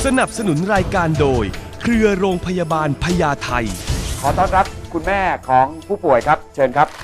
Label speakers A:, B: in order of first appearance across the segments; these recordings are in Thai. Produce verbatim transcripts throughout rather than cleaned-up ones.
A: สนับสนุนรายการโดยเครือโรงพยาบาลพญาไท
B: ขอต้อนรับคุณแม่ของผู้ป่วยครับเชิญครับ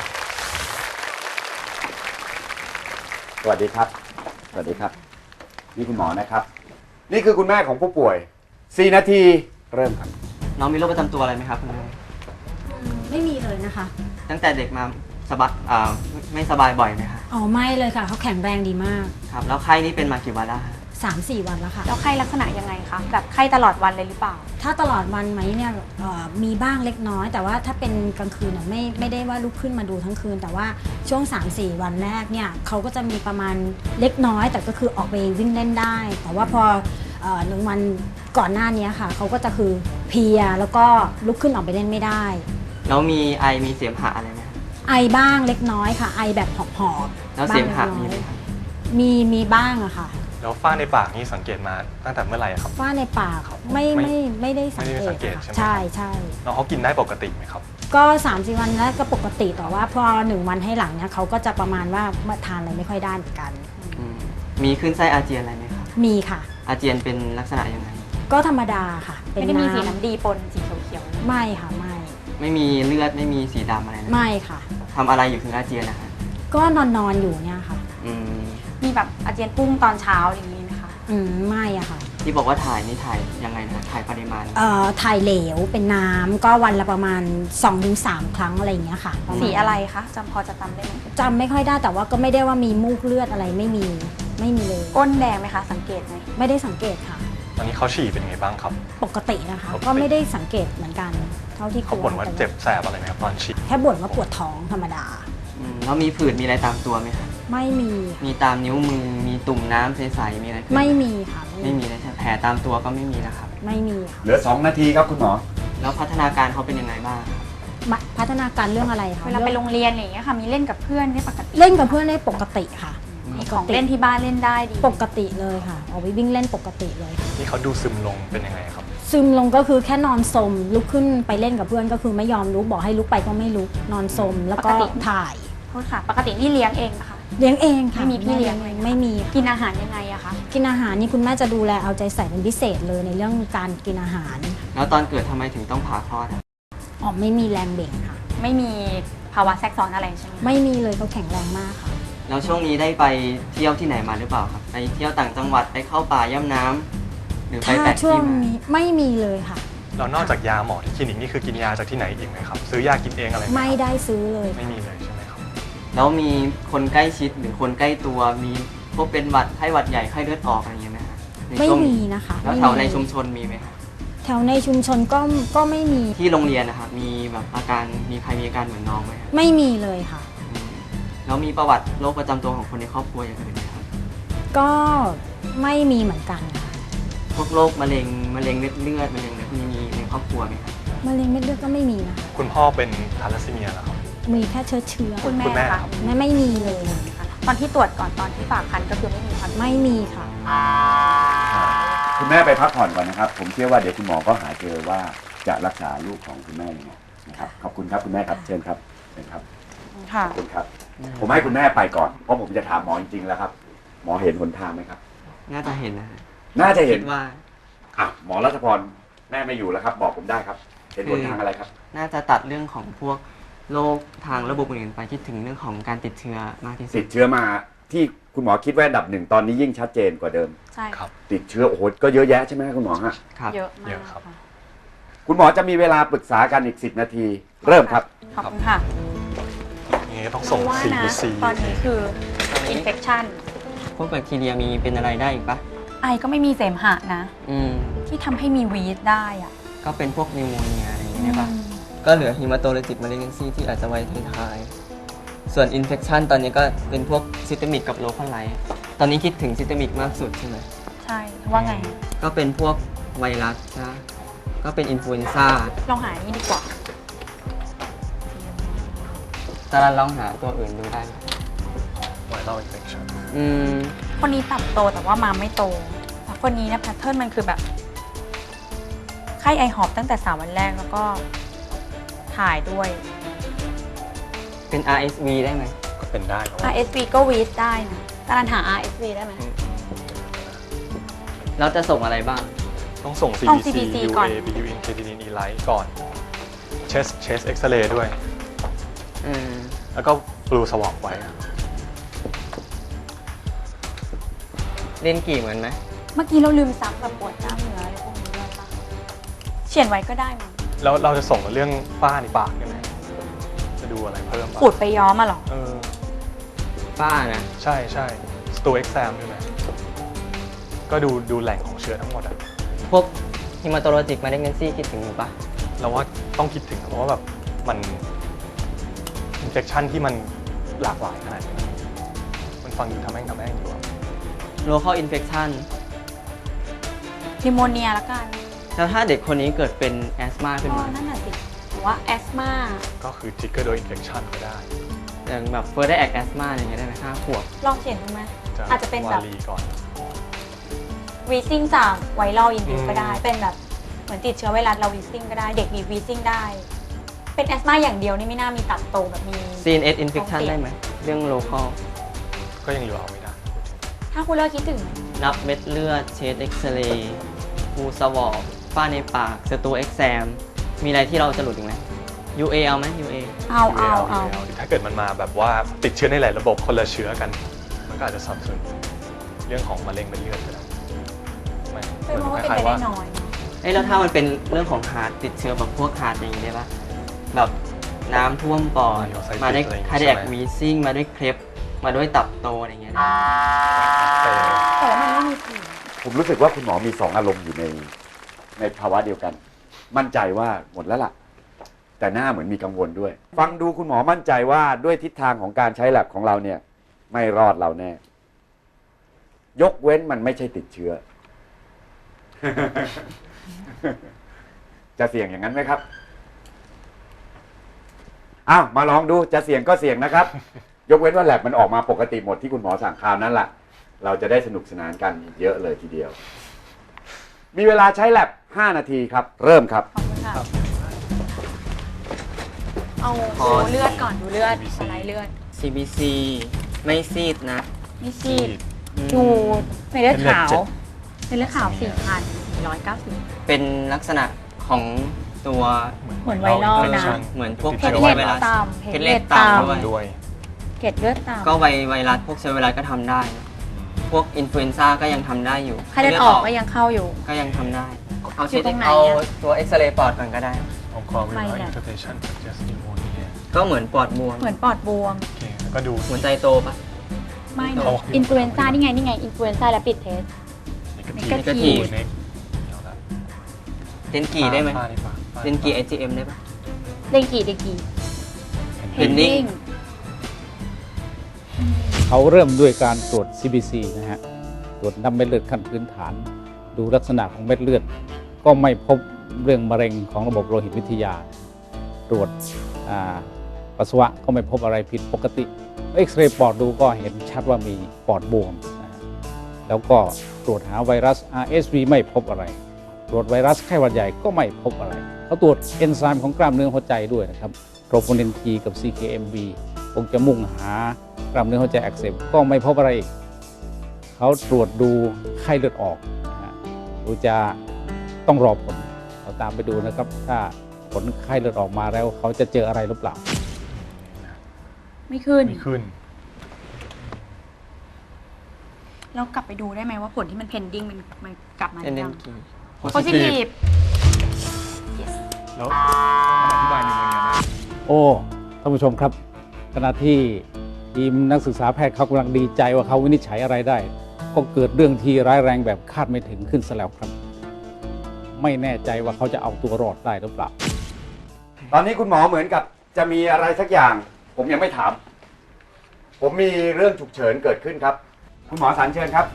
B: สวัสดีครับสวัสดีครับนี่คุณหมอนะครับนี่คือคุณแม่ของผู้ป่วยสี่นาทีเริ่มครับ
C: น้องมีโรคประจำตัวอะไรไหมครับคุณแม่
D: ไม่มีเลยนะคะ
C: ตั้งแต่เด็กมาสบายอ่าไม่สบายบ่อยไหมคะ
D: อ๋อไม่เลยค่ะเขาแข็งแรงดีมาก
C: ครับแล้วไข้นี้เป็นมากี่วันแล้วคะ
D: สามสี่วันแล้วค่ะ
E: แล้วไข้ลักษณะยังไงคะแบบไข้ตลอดวันเลยหรือเปล่า
D: ถ้าตลอดวันไหมเนี่ยมีบ้างเล็กน้อยแต่ว่าถ้าเป็นกลางคืนไม่ไม่ได้ว่าลุกขึ้นมาดูทั้งคืนแต่ว่าช่วง สามสี่ วันแรกเนี่ยเขาก็จะมีประมาณเล็กน้อยแต่ก็คือออกไปวิ่งเล่นได้แต่ว่าพอหนึ่งวันก่อนหน้านี้ค่ะเขาก็จะคือเพลียแล้วก็ลุกขึ้นออกไปเล่นไม่ได้
C: แล้วมีไอมีเสมหะอะไรไหม
D: ไอบ้างเล็กน้อยค่ะไอแบบหอบหอบ
C: แล้วเสมหะมีไหมครับ
D: มีมีบ้างอะค่ะ
F: แล้วฝ้าในปากนี่สังเกตมาตั้งแต่เมื่อไหร่ครับ
D: ฝ้าในปากไม่ไม่ไม่ได้สังเกตใช่ใช่
F: น้องเขากินได้ปกติไหมครับ
D: ก็สามสี่วันแรกก็ปกติแต่ว่าพอหนึ่งวันให้หลังเนี่ยเขาก็จะประมาณว่าทานอะไรไม่ค่อยได้เหมือนกัน
C: มีขึ้นไส้อาเจียนอะไรไหมครับ
D: มีค่ะ
C: อาเจียนเป็นลักษณะยังไง
D: ก็ธรรมดาค่ะ
E: ไม่ได้มีสีน้ำดีปนสีเขียว
D: ๆไม่ค่ะไม่
C: ไม่มีเลือดไม่มีสีดำอะไร
D: ไม่ค่ะ
C: ทำอะไรอยู่ถึงอาเจียนนะคะ
D: ก็นอนนอนอยู่เนี่ยค่ะ
E: มีแบบอาเจียนพุ่งตอนเช้าอย่างนี้ไหมคะ
D: อืมไม่อะค่ะ
C: ที่บอกว่าถ่ายนี่ถ่ายยังไงนะถ่ายปริมาณ
D: เอ่อถ่ายเหลวเป็นน้ำก็วันละประมาณ สองถึงสาม ครั้งอะไรอย่างเงี้ยค่ะ
E: สีอะไรคะจำพอจะจำได้ไหม
D: จำไม่ค่อยได้แต่ว่าก็ไม่ได้ว่ามีมูกเลือดอะไรไม่มีไม่มีเลย
E: ก้นแดงไหมคะสังเกตไหม
D: ไม่ได้สังเกตค่ะ
F: ตอนนี้เขาฉี่เป็นไงบ้างครับ
D: ปกตินะคะก็ไม่ได้สังเกตเหมือนกันเท่าที่
F: เขาบ่นว่าเจ็บแสบอะไรไหมครับตอนฉี่
D: แค่บ่นว่าปวดท้องธรรมดา
C: แล้วมีผื่นมีอะไรตามตัวไหมคะ
D: ไม่มี
C: มีตามนิ้วมือมีตุ่มน้ำใสๆมีอะไร
D: ไม่มีค่ะ
C: ไม่มีเลยใช่แผลตามตัวก็ไม่มีนะครับ
D: ไม่มีค่ะ
B: เหลือสองนาทีครับคุณหมอ
C: แล้วพัฒนาการเขาเป็นยังไงบ้าง
D: พัฒนาการเรื่องอะไรคะ
E: เวลาไปโรงเรียนอย่างเงี้ยค่ะมีเล่นกับเพื่อนได้ปกติ
D: เล่นกับเพื่อนได้ปกติค่ะ
E: มีของเล่นที่บ้านเล่นได้ดี
D: ปกติเลยค่ะออกไปวิ่งเล่นปกติเลย
F: ที่เขาดูซึมลงเป็นยังไงครับ
D: ซึมลงก็คือแค่นอนสมลุกขึ้นไปเล่นกับเพื่อนก็คือไม่ยอมลุกบอกให้ลุกไปก็ไม่ลุกนอนสมแล้วก็ถ่าย
E: โทษค่ะปกตินี่เลี้ยงเองนะคะ
D: เลี้ยงเองค่ะ
E: ไม่มีพี่เลี้ยง
D: เลยไม่มี
E: กินอาหารยังไงอะคะ
D: กินอาหารนี่คุณแม่จะดูแลเอาใจใส่เป็นพิเศษเลยในเรื่องการกินอาหาร
C: แล้วตอนเกิดทำไมถึงต้องผ่าคลอด
D: อ๋อไม่มีแรงเบ่งค่ะ
E: ไม่มีภาวะแทรกซ้อนอะไรใช่ไหม
D: ไม่มีเลยเขาแข็งแรงมากค่ะ
C: แล้วช่วงนี้ได้ไปเที่ยวที่ไหนมาหรือเปล่าครับไปเที่ยวต่างจังหวัดไปเข้าป่าย่ำน้ำหรือไปแปะที่มา
D: ไม่มีเลยค่ะ
F: เรานอกจากยาหมอที่คลินิกนี่คือกินยาจากที่ไหนอีกไหมครับซื้อยากินเองอะไร
D: ไม่ได้ซื้อเลย
F: ไม่มีเลยใช่ไหมครับ
C: แล้วมีคนใกล้ชิดหรือคนใกล้ตัวมีพวกเป็นหวัดไข้หวัดใหญ่ไข้เลือดออกอะไรอย่างเงี้ยไหมคะ
D: ไม่มีนะคะ
C: แล้วแถวในชุมชนมีไหมคะ
D: แถวในชุมชนก็ก็ไม่มี
C: ที่โรงเรียนนะครับมีแบบอาการมีใครมีอาการเหมือนน้องไหม
D: ไม่มีเลยค่ะ
C: แล้วมีประวัติโรคประจำตัวของคนในครอบครัวอย่างอื่นไหมครับ
D: ก็ไม่มีเหมือนกันค่ะ
C: พวกโรคมะเร็งมะเร็งเม็ดเลือดมะเร็งอะไรพวกนี้มีในครอบครัวไหมครับ
D: มะเร็งเม็ดเลือดก็ไม่มีนะ
F: คุณพ่อเป็นทาลัสซีเมียเหรอครับ
D: มีแค่เชื้อเชื้อ
E: คุณแม่ค่ะ
D: ไม่ไม่มีเลย
E: ค่ะตอนที่ตรวจก่อนตอนที่ฝากคันก็คือไม่มี
D: ไม่มีค่ะ
B: คุณแม่ไปพักผ่อนก่อนนะครับผมเชื่อว่าเดี๋ยวคุณหมอก็หาเจอว่าจะรักษาลูกของคุณแม่ยังไงนะครับขอบคุณครับคุณแม่ครับเชิญครับเชิญครับ
E: ค่ะ
B: ขอบคุณครับผมให้คุณแม่ไปก่อนเพราะผมจะถามหมอจริงๆแล้วครับหมอเห็นหนทางไหมครับ
C: น่าจะเห็นนะ
B: น่าจะเห็น
C: ว่า
B: อ่ะหมอรัชพรแม่ไม่อยู่แล้วครับบอกผมได้ครับเห็นหนทางอะไรครับ
C: น่าจะตัดเรื่องของพวกโรคทางระบบอื่นไปคิดถึงเรื่องของการติดเชื้อมากที่สุด
B: ติดเชื้อมาที่คุณหมอคิดว่าอันดับหนึ่งตอนนี้ยิ่งชัดเจนกว่าเดิม
E: ใช่
F: ครับ
B: ติดเชื้อโอ้โหก็เยอะแยะใช่ไหมคุณหมอฮะ
C: ครับ
E: เยอะมาก
F: ครับ
B: คุณหมอจะมีเวลาปรึกษากันอีกสิบนาทีเริ่มครับ
E: ขอบคุณค่ะ
F: นี่ต้องส่งซีซี
E: ตอนนี้คืออินเฟคชัน
C: พวกแบคทีเรียมีเป็นอะไรได้อีกปะ
E: ไอก็ไม่มีเสมหะนะ
C: อืม
E: ที่ทำให้มีวีดได้อ่ะ
C: ก็เป็นพวกนิวโมเนียอะไรอย่างเงี้ยปะก็เหลือฮิมาโตเลติกมาเลเนซีที่อาจจะไว้ท้ายๆส่วนอินเฟคชันตอนนี้ก็เป็นพวกซิสเตมิกกับโลคอลไลท์ตอนนี้คิดถึงซิสเตมิกมากสุดใช่ไหม
E: ใช่ว่าไง
C: ก็เป็นพวกไวรัสนะก็เป็นอินฟลูเอนซ่า
E: ลองหานี่ดีกว่า
C: ตอนนั้นลองหาตัวอื่นดูได้
F: ไวรัลอินเฟคชัน
C: อืม
E: คนนี้ตับโตแต่ว่ามาไม่โตแต่คนนี้เนี่ยแพทเทิร์นมันคือแบบไข้ไอหอบตั้งแต่สามวันแรกแล้วก็ถ่ายด้วย
C: เป็น อาร์ เอส วี ได้ไหม
F: ก็เป็นได้
E: อาร์ เอส วี ก็วีดได้นะการหา อาร์ เอส วี ได้ไหม
C: แล้วจะส่งอะไรบ้าง
F: ต้องส่ง
E: ต้อง
F: ซี
E: ซี
F: บี
E: บี
F: ซี
E: ซี
F: ยู
E: ก่อน
F: เอ บี ยู อิน Creatinine E-Lite ก่อน Chest Chest X-ray ด้วย
C: อืม
F: แล้วก็ Blue Swab ไว้
C: เล่นกี่เหมือนไหม
E: เมื่อกี้เราลืมซักแบบปวดกล้ามเนื้ออะไรพวกนี้ด้วยปะเขียนไว้ก็ได้มั้ง
F: แล้วเราจะส่งเรื่องฝ้าในปากได้ไหมจะดูอะไรเพิ่มปะ
E: ขูดไปย้อมมาหรอ
F: เออ
C: ป้านะ
F: ใช่ใช่ Stool Exam ด้วยไหมก็ดูดูแหล่งของเชื้อทั้งหมดอะ
C: พวก hematologic malignancy คิดถึงอยู่ปะ
F: เราว่าต้องคิดถึงเพราะว่าแบบมัน infection ที่มันหลากหลายขนาดนี้มันฟังดูทำแม่งทำแม่งอยู่อะ
C: local infection
E: นิโมเนียละกัน
C: แล้วถ้าเด็กคนนี้เกิดเป็นแอสมาขึ้น
E: ก็
C: มา
E: นั่นแหละสิหรือว่าแอสมา
F: ก็คือ trigger โดย infection ก็ได้
C: อย่างแบบ further act asthma อะไรอย่างเงี้ยได้ไหมห้าขวบ
E: ลองเขียนดูไหม
F: จะ
E: อาจจะเป็นแบบ
F: วาลีก่อน
E: วีซิ่งจากไวรัลอินดิว
F: อืม
E: ก็ได้ เป็นแบบเหมือนติดเชื้อไวรัสเราวีซิ่งก็ได้ เด็กมีวีซิ่งได้ เป็นแอสมาอย่างเดียวนี่ไม่น่ามีตับโตแบบมี
C: ซี เอ็น เอส infection ได้ไหมเรื่อง local
F: ก็ยังเหลือเอาไม่ได้
E: ถ้าคุณเลิกคิดถึง
C: นับเม็ดเลือดเชสเอ็กซเรย์ฟูสวอปฝ้าในปากสตูเอ็กซมมีอะไรที่เราจะหลุดอีกไหม ยู เอ เอาไหม ยู เอ
E: เอาเอาเอา
F: ถ้าเกิดมันมาแบบว่าติดเชื้อในหลายระบบคนละเชื้อกัน มันก็อาจจะสับสนเรื่องของมะเร็งเป็นเลือดก็ได้ไม่
E: เป็นเพราะว่าเป็น
F: คล้า
E: ไป
F: ยๆ
E: ได้
F: ว่า
E: น้อย
C: เอ้ยแล้วถ้ามันเป็นเรื่องของฮาร์ดติดเชื้อแบบพวกฮาร์ดอย่างนี้ได้ปะแบบน้ำท่วมปอดมาด้วยคาร์ดิแอควีซิ่งมาด้วยเครปมาด้วยตับโตอะไรอย่างเงี้ย
F: เออ
E: แต่ว่ามันไม่มีสี
B: ผมรู้สึกว่าคุณหมอมีสองอารมณ์อยู่ในในภาวะเดียวกัน มั่นใจว่าหมดแล้วล่ะ แต่หน้าเหมือนมีกังวลด้วย ฟังดูคุณหมอมั่นใจว่าด้วยทิศทางของการใช้แลบของเราเนี่ย ไม่รอดเราแน่ ยกเว้นมันไม่ใช่ติดเชื้อ จะเสี่ยงอย่างนั้นไหมครับอ้าวมาลองดูจะเสี่ยงก็เสี่ยงนะครับ ยกเว้นว่าแลบมันออกมาปกติหมดที่คุณหมอสั่งคราวนั้นแหละเราจะได้สนุกสนานกันเยอะเลยทีเดียว มีเวลาใช้แลบห้านาทีครับ เริ่มครับ
E: ขอบคุณค่ะ เอาดูเลือดก่อนดูเลือดสไลด์เลือด
C: ซี บี ซี ไม่ซีดนะ
E: มีซีด
C: อืม
E: ดูในเลือดขาว
F: เม็ดเลือดเจ็ด
E: ในเลือดขาว สี่พันสี่ร้อยเก้าสิบ
C: เป็นลักษณะของตัว
E: เหมือนไวรัลนะ
C: เหมือนพวก
E: เพชรเล็ดต่ำ
C: เพชรเล็ดต่ำด้วย
F: ด้วย
E: เกล็ดเลือดต่ำ
C: ก็ไวไวรัสพวกเชื้อไวรัสก็ทำได้นะพวกอินฟลูเอนซ่าก็ยังทำได้อยู่
E: ไข้เลือดออกก็ยังเข้าอยู่
C: ก็ยังทำได้ เอา
E: อยู่
C: เช็ด
E: ตรงไหน
C: เอา
E: อะ
C: ตัวเอ็กซเรย์ปอดก่อนก็ได้
F: องค์กรวิ
E: ไม่
F: วัฒ
E: แห
F: น์
E: ละ
F: interpretation suggest pneumonia
C: ก็เหมือนปอดบวม
E: เหมือนปอดบวม
F: โอเคแล้วก็ดู
C: หัวใจโตปะ
E: ไม่
F: โอ
E: นะ
F: เค
E: อินฟลูเอนซ่านี่ไง นี่ไง อินฟลูเอนซ่าและปิดเทส
F: negative
E: negative
F: เน็กเดี๋ยวละ
C: เดนกีได้ไหม
F: ฝ้าในปากฝ้า
C: เดนกี ไอ จี เอ็ม ได้ปะ
E: เดงกีเดงกี
C: Pending
G: เขาเริ่มด้วยการตรวจ ซี บี ซี นะฮะ ตรวจน้ำเม็ดเลือดขั้นพื้นฐาน ดูลักษณะของเม็ดเลือด ก็ไม่พบเรื่องมะเร็งของระบบโลหิตวิทยา ตรวจอ่าปัสสาวะก็ไม่พบอะไรผิดปกติ เอ็กซเรย์ปอดดูก็เห็นชัดว่ามีปอดบวมนะฮะแล้วก็ตรวจหาไวรัส อาร์ เอส วี ไม่พบอะไร ตรวจไวรัสไข้หวัดใหญ่ก็ไม่พบอะไร เขาตรวจเอนไซม์ของกล้ามเนื้อหัวใจด้วยนะครับโทรโพนิน T กับ ซี เค เอ็ม บี คงจะมุ่งหากล้ามเนื้อหัวใจอักเสบก็ไม่พบอะไรอีก เขาตรวจดูไข้เลือดออกนะฮะดูจะต้องรอผล เราตามไปดูนะครับ ถ้าผลไข้เลือดออกมาแล้วเขาจะเจออะไรหรือเปล่า
E: ไม่ขึ้น
F: ไม่ขึ้น
E: แล้วกลับไปดูได้ไหมว่าผลที่มัน pending มันมันกลับมาห
C: เป็น
E: รือ
C: เด
E: ยั
C: น
E: ง
C: กี
E: positive
F: แล้วมันอธิบายนิโมเนียได้
G: โอ้ท่านผู้ชมครับ ขณะที่ทีมนักศึกษาแพทย์เขากำลังดีใจว่าเขาวินิจฉัยอะไรได้ ก็เกิดเรื่องที่ร้ายแรงแบบคาดไม่ถึงขึ้นซะแล้วครับ ไม่แน่ใจว่าเขาจะเอาตัวรอดได้หรือเปล่า
B: ตอนนี้คุณหมอเหมือนกับจะมีอะไรสักอย่าง ผมยังไม่ถาม ผมมีเรื่องฉุกเฉินเกิดขึ้นครับ คุณหมอสันเชิญครับ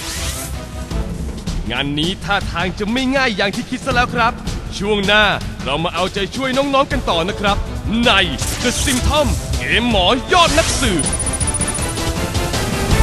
A: งานนี้ท่าทางจะไม่ง่ายอย่างที่คิดซะแล้วครับ ช่วงหน้าเรามาเอาใจช่วยน้องๆกันต่อนะครับ ใน The Symptom เกมหมอยอดนักสืบ